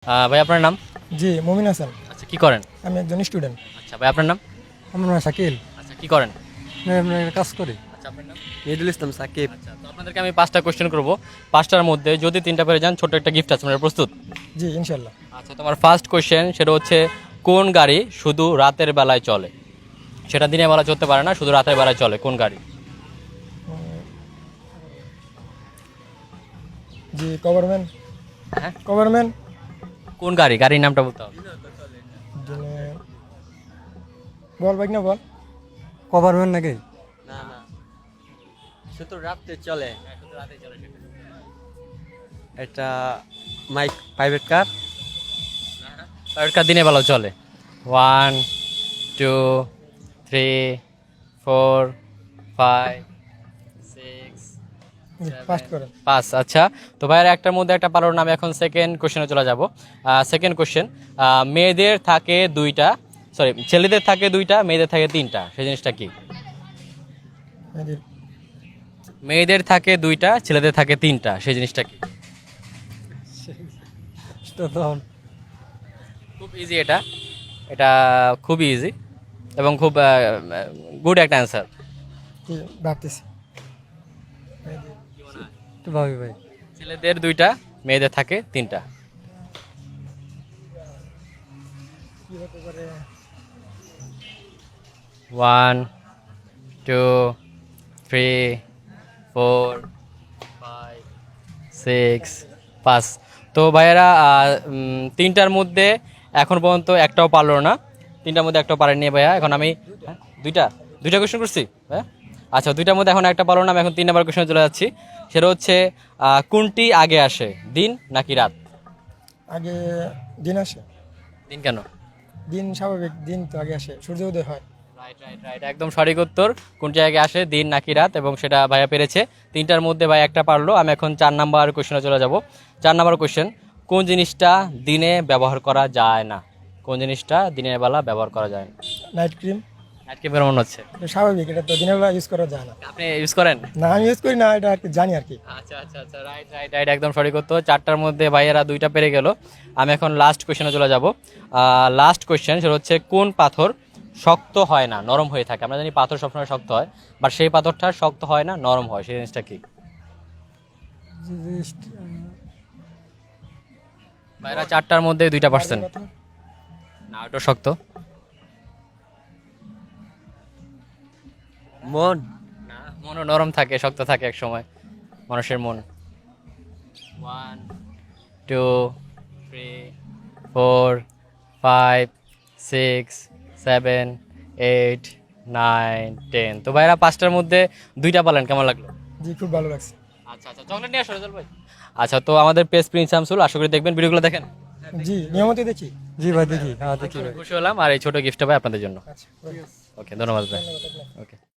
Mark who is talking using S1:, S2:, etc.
S1: ভাই আপনার নাম?
S2: জি মমিন হাসান।
S1: আচ্ছা কি করেন?
S2: আমি একজন স্টুডেন্ট।
S1: আচ্ছা ভাই আপনার নাম?
S2: আমার নাম শাকিল।
S1: আচ্ছা কি করেন?
S2: আমি কাজ করি।
S1: আচ্ছা আপনার নাম?
S3: মিদুল ইসলাম সাকিব।
S1: আচ্ছা তো আপনাদেরকে আমি 5টা কোশ্চেন করব। 5টার মধ্যে যদি 3টা পেরে যান ছোট একটা গিফট আছে, আপনারা প্রস্তুত?
S2: জি ইনশাল্লাহ।
S1: আচ্ছা তোমার ফার্স্ট কোশ্চেন সেটা হচ্ছে কোন গাড়ি শুধু রাতের বেলায় চলে? সেটা দিনের বেলা চলতে পারে না, শুধু রাতের বেলায় চলে, কোন গাড়ি?
S2: জি গভর্নমেন্ট।
S1: হ্যাঁ
S2: গভর্নমেন্ট।
S1: কোন গাড়ি? গাড়ির নামটা বলতে হবে।
S2: বল ভাই না বল।
S3: গভর্নমেন্ট নাকি? না না, শুধু রাতে চলে। এটা মাইক প্রাইভেট কার।
S1: প্রাইভেট কার দিনের বেলাও চলে। 1 2 3 4 5 6
S2: জি ফার্স্ট করেন।
S1: 5। আচ্ছা তো ভাইয়ের একটার মধ্যে একটা পারোর নামে এখন সেকেন্ড কোশ্চেনে চলে যাব। সেকেন্ড কোশ্চেন, মেয়েদের থাকে দুইটা, সরি ছেলেদের থাকে দুইটা, মেয়েদের থাকে তিনটা, সেই জিনিসটা কি?
S2: এদের
S1: মেয়েদের থাকে দুইটা, ছেলেদের থাকে তিনটা, সেই জিনিসটা কি? খুব ইজি এটা, এটা খুবই ইজি এবং খুব গুড একটা অ্যান্সার।
S2: কি ভাবতেছি।
S3: তো ভাবি ভাই,
S1: ছেলেদের দুইটা, মেয়েদের থাকে তিনটা।
S2: কি হতে পারে?
S1: 1 2 3 4 5 6 5। তো ভাইয়েরা তিনটার মধ্যে এখন পর্যন্ত একটাও পারলো না, তিনটার মধ্যে একটাও পারেননি ভাইয়া। এখন আমি দুইটা দুইটা কোয়েশ্চেন করছি হ্যাঁ। আচ্ছা দুইটার মধ্যে এখন একটা পারলো না, আমি এখন 3 নম্বর কোয়েশ্চনে চলে যাচ্ছি। সেটা হচ্ছে কোনটি আগে আসে, দিন নাকি রাত?
S2: আগে দিন আসে।
S1: দিন কেন?
S2: দিন স্বাভাবিক, দিন তো আগে আসে, সূর্য উদয় হয়।
S1: রাইট রাইট রাইট, একদম সঠিক উত্তর। কোনটি আগে আসে, দিন নাকি রাত, এবং সেটা ভাইয়া পেরেছে। তিনটার মধ্যে ভাই একটা পারলো। আমি এখন 4 নম্বর কোয়েশ্চনে চলে যাব। 4 নম্বর কোয়েশ্চেন, কোন জিনিসটা দিনে ব্যবহার করা যায় না? কোন জিনিসটা দিনের বেলা ব্যবহার করা যায় না?
S2: Night cream.
S1: নাইট ক্রিমের মনে হচ্ছে
S2: স্বাভাবিক, এটা তো দিনের বেলা ইউজ করা যায় না।
S1: আপনি ইউজ করেন?
S2: না আমি ইউজ করি না, এটা আর কি জানি আর কি।
S1: আচ্ছা আচ্ছা আচ্ছা, রাইট রাইট রাইট, একদম সঠিক উত্তর। 4টার মধ্যে ভাইয়েরা 2টা পেরে গেল। আমি এখন লাস্ট কোয়েশ্চেনে চলে যাব। লাস্ট কোয়েশ্চেন সেটা হচ্ছে কোন পাথর শক্ত হয় না, নরম হয়ে থাকে? আমরা জানি পাথর সবসময় শক্ত হয়, বাট সেই পাথরটা শক্ত হয় না, নরম হয়, সেই জিনিসটা কি? ভাইয়েরা 4টার মধ্যে 2টা পারছেন। না ওটা শক্ত
S3: মন।
S1: না, মনও নরম থাকে, শক্ত থাকে এক সময় মানুষের মন। 1 2 3 4 5 6 7 8 9 10। তো ভাইরা 5টার মধ্যে 2টা পালেন, কেমন লাগলো?
S2: জি খুব ভালো লাগছে।
S1: আচ্ছা আচ্ছা, চকলেট নিয়ে আসো রেজাল ভাই। আচ্ছা তো আমাদের পেজ প্রিন্স শামসুল, আশা করি দেখবেন, ভিডিওগুলো দেখেন।
S2: জি নিয়মিত দেখি।
S3: জি ভাই দেখি, হ্যাঁ দেখি ভাই।
S1: খুশি হলাম, আর এই ছোট গিফটটা ভাই আপনাদের জন্য।
S2: আচ্ছা
S1: ওকে ধন্যবাদ ভাই।
S2: ধন্যবাদ আপনাকে।
S1: ওকে।